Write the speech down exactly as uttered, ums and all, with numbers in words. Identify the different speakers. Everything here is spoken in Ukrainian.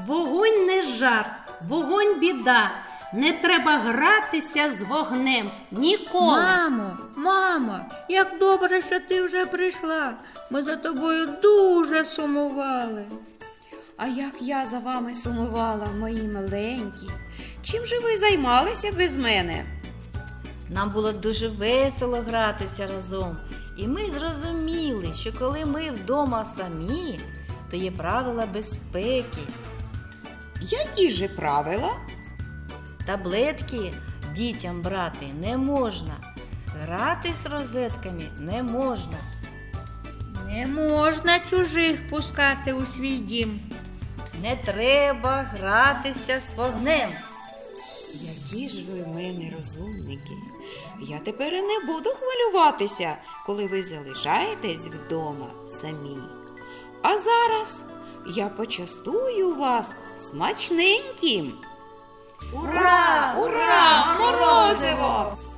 Speaker 1: Вогонь не жарт, вогонь біда. Не треба гратися з вогнем ніколи.
Speaker 2: Мамо, мамо, як добре, що ти вже прийшла. Ми за тобою дуже сумували.
Speaker 3: А як я за вами сумувала, мої маленькі. Чим же ви займалися без мене?
Speaker 4: Нам було дуже весело гратися разом. І ми зрозуміли, що коли ми вдома самі, то є правила безпеки.
Speaker 3: Які же правила?
Speaker 4: Таблетки дітям брати не можна. Гратись розетками не можна.
Speaker 2: Не можна чужих пускати у свій дім.
Speaker 4: Не треба гратися з вогнем.
Speaker 3: Які ж ви в мене розумники. Я тепер і не буду хвилюватися, коли ви залишаєтесь вдома самі. А зараз я почастую вас смачненьким. Ура! Ура! Морозиво!